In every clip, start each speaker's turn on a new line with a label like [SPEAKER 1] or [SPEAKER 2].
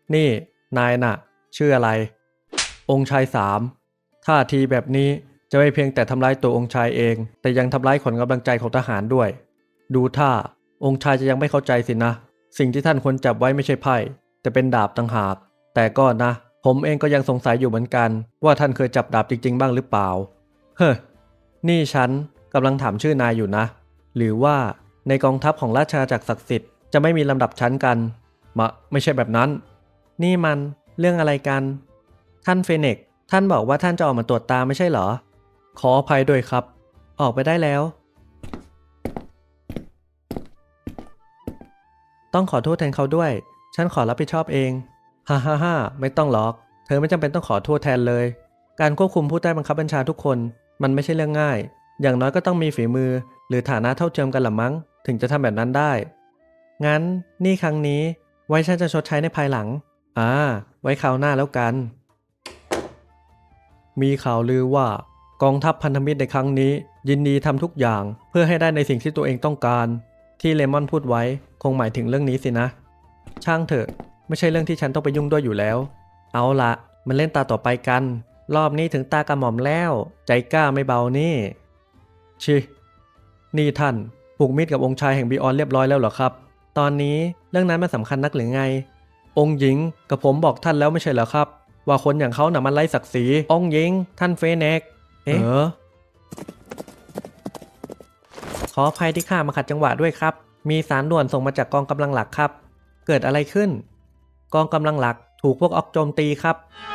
[SPEAKER 1] นี่นายน่ะชื่ออะไรองค์ชายสามท่าทีแบบนี้จะไม่เพียงแต่ทำร้ายตัวองค์ชายเองแต่ยังทำร้ายขวัญกำลังใจของทหารด้วยดูท่าองค์ชายจะยังไม่เข้าใจสินะสิ่งที่ท่านควรจับไว้ไม่ใช่ไพ่แต่เป็นดาบต่างหากแต่ก็นะผมเองก็ยังสงสัยอยู่เหมือนกันว่าท่านเคยจับดาบจริงๆบ้างหรือเปล่าเฮ้อนี่ฉันกำลังถามชื่อนายอยู่นะหรือว่าในกองทัพของราชอาณาจักรศักดิ์สิทธิ์จะไม่มีลำดับชั้นกันไม่ใช่แบบนั้นนี่มันเรื่องอะไรกันท่านเฟเน็กซ์ท่านบอกว่าท่านจะออกมาตรวจตาไม่ใช่เหรอขออภัยด้วยครับออกไปได้แล้วต้องขอโทษแทนเขาด้วยฉันขอรับผิดชอบเองฮ่าฮ่าฮ่าไม่ต้องหรอกเธอไม่จำเป็นต้องขอโทษแทนเลยการควบคุมผู้ใต้บังคับบัญชาทุกคนมันไม่ใช่เรื่องง่ายอย่างน้อยก็ต้องมีฝีมือหรือฐานะเท่าเทียมกันละมั้งถึงจะทำแบบนั้นได้งั้นนี่ครั้งนี้ไว้ฉันจะชดใช้ในภายหลังไว้คราวหน้าแล้วกันมีข่าวลือว่ากองทัพพันธมิตรในครั้งนี้ยินดีทำทุกอย่างเพื่อให้ได้ในสิ่งที่ตัวเองต้องการที่เลมอนพูดไว้คงหมายถึงเรื่องนี้สินะช่างเถอะไม่ใช่เรื่องที่ฉันต้องไปยุ่งด้วยอยู่แล้วเอาละมันเล่นตาต่อไปกันรอบนี้ถึงตากระหม่อมแล้วใจกล้าไม่เบานี่ชินี่ท่านผูกมิตรกับองค์ชายแห่งบีออนเรียบร้อยแล้วเหรอครับตอนนี้เรื่องนั้นมันสำคัญนักหรือไงองค์หญิงกับผมบอกท่านแล้วไม่ใช่เหรอครับว่าคนอย่างเขาน่ะมันไร้ศักดิ์ศรีองค์หญิงท่านเฟเน็กซ์ขออภัยที่ข้ามาขัดจังหวะด้วยครับมีสารด่วนส่งมาจากกองกำลังหลักครับเกิดอะไรขึ้นกองกำลังหลักถูกพวกออกโจมตีครับ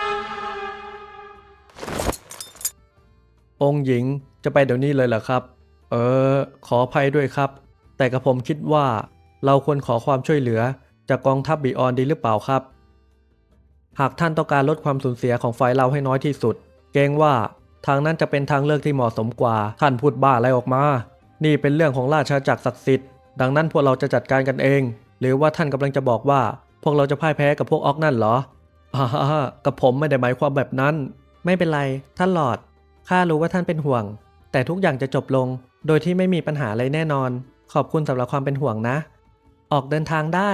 [SPEAKER 1] องค์หญิงจะไปเดี๋ยวนี้เลยเหรอครับขออภัยด้วยครับแต่กระผมคิดว่าเราควรขอความช่วยเหลือจากกองทัพบีออนดีหรือเปล่าครับหากท่านต้องการลดความสูญเสียของฝ่ายเราให้น้อยที่สุดเกรงว่าทางนั้นจะเป็นทางเลือกที่เหมาะสมกว่าท่านพูดบ้าอะไรออกมานี่เป็นเรื่องของราชอาณาจักรศักดิ์สิทธิ์ดังนั้นพวกเราจะจัดการกันเองหรือว่าท่านกำลังจะบอกว่าพวกเราจะพ่ายแพ้กับพวกออกนั่นเหรอกับผมไม่ได้หมายความแบบนั้นไม่เป็นไรท่านหลอร์ดข้ารู้ว่าท่านเป็นห่วงแต่ทุกอย่างจะจบลงโดยที่ไม่มีปัญหาอะไรแน่นอนขอบคุณสำหรับความเป็นห่วงนะออกเดินทางได้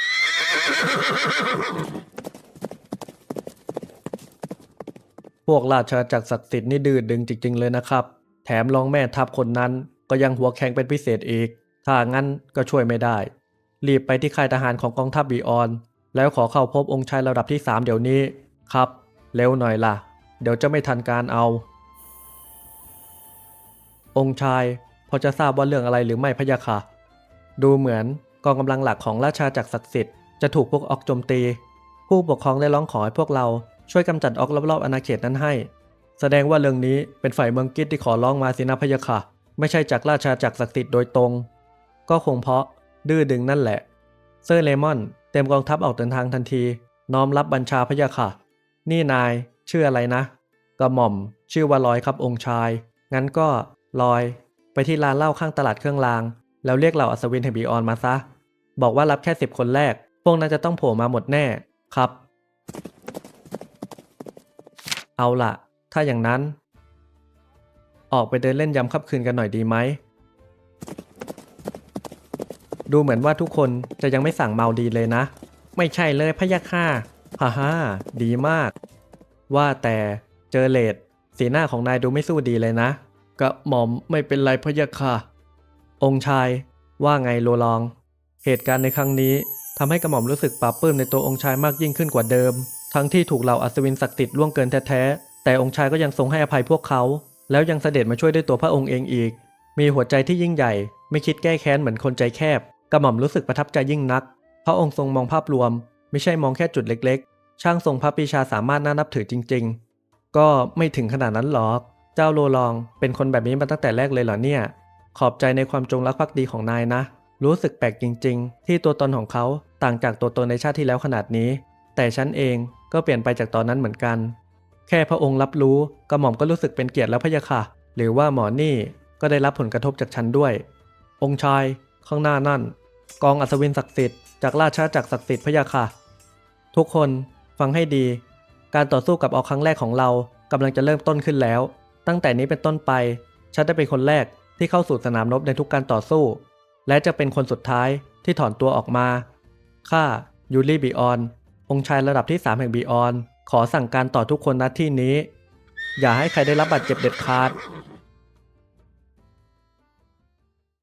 [SPEAKER 1] พวกราชอาณาจักรศักดิ์สิทธิ์นี่ดื้อดึงจริงๆเลยนะครับแถมรองแม่ทัพคนนั้นก็ยังหัวแข็งเป็นพิเศษอีกถ้างั้นก็ช่วยไม่ได้รีบไปที่ค่ายทหารของกองทัพบีออนแล้วขอเข้าพบองค์ชายระดับที่3เดี๋ยวนี้ครับเร็วหน่อยล่ะเดี๋ยวจะไม่ทันการเอาองค์ชายพอจะทราบว่าเรื่องอะไรหรือไม่พะยะค่ะดูเหมือนกองกำลังหลักของราชอาณาจักรศักดิ์สิทธิ์จะถูกพวกออกโจมตีผู้ปกครองได้ร้องขอให้พวกเราช่วยกำจัดออกรอบๆอาณาเขตนั้นให้แสดงว่าเรื่องนี้เป็นฝ่ายเมืองกิจที่ขอร้องมาสินะพะยะค่ะไม่ใช่จากราชอาณาจักรศักดิ์สิทธิ์โดยตรงก็คงเพราะดื้อดึงนั่นแหละเซอร์เลมอนเต็มกองทัพออกเดินทางทันทีน้อมรับบัญชาพะยะค่ะนี่นายชื่ออะไรนะกระหม่อมชื่อว่าลอยครับองค์ชายงั้นก็ลอยไปที่ร้านเหล้าข้างตลาดเครื่องรางแล้วเรียกเหล่าอัศวินแห่งบีออนมาซะบอกว่ารับแค่10 คนแรกพวกนั้นจะต้องโผล่มาหมดแน่ครับเอาล่ะถ้าอย่างนั้นออกไปเดินเล่นยามค่ำคืนกันหน่อยดีไหมดูเหมือนว่าทุกคนจะยังไม่สั่งเมาดีเลยนะไม่ใช่เลยพะยะค่ะฮ่าดีมากว่าแต่เจอเลดสีหน้าของนายดูไม่สู้ดีเลยนะกระหม่อมไม่เป็นไรพะยะค่ะองค์ชายว่าไงโลลองเหตุการณ์ในครั้งนี้ทำให้กระหม่อมรู้สึกปลาบปลื้มในตัวองค์ชายมากยิ่งขึ้นกว่าเดิมทั้งที่ถูกเหล่าอัศวินศักดิ์สิทธิ์ล่วงเกินแท้ๆแต่องค์ชายก็ยังทรงให้อภัยพวกเขาแล้วยังเสด็จมาช่วยด้วยตัวพระองค์เองอีกมีหัวใจที่ยิ่งใหญ่ไม่คิดแก้แค้นเหมือนคนใจแคบกระหม่อมรู้สึกประทับใจยิ่งนักพระองค์ทรงมองภาพรวมไม่ใช่มองแค่จุดเล็กๆช่างทรงพระปรีชาสามารถน่านับถือจริงๆก็ไม่ถึงขนาดนั้นหรอกเจ้าโลลองเป็นคนแบบนี้มาตั้งแต่แรกเลยเหรอเนี่ยขอบใจในความจงรักภักดีของนายนะรู้สึกแปลกจริงๆที่ตัวตนของเขาต่างจากตัวตนในชาติที่แล้วขนาดนี้แต่ฉันเองก็เปลี่ยนไปจากตอนนั้นเหมือนกันแค่พระองค์รับรู้กระหม่อมก็รู้สึกเป็นเกียรติแล้วพะยะค่ะหรือว่าหมอนี่ก็ได้รับผลกระทบจากฉันด้วยองค์ชายข้างหน้านั่นกองอัศวินศักดิ์สิทธิ์จากราชอาณาจักรศักดิ์สิทธิ์พะยะค่ะทุกคนฟังให้ดีการต่อสู้กับออกครั้งแรกของเรากำลังจะเริ่มต้นขึ้นแล้วตั้งแต่นี้เป็นต้นไปฉันได้เป็นคนแรกที่เข้าสู่สนามรบในทุกการต่อสู้และจะเป็นคนสุดท้ายที่ถอนตัวออกมาข้ายูริบีออนองค์ชายระดับที่ 3 แห่งบีออนขอสั่งการต่อทุกคนณที่นี้ อย่าให้ใครได้รับบาดเจ็บเด็ดขาด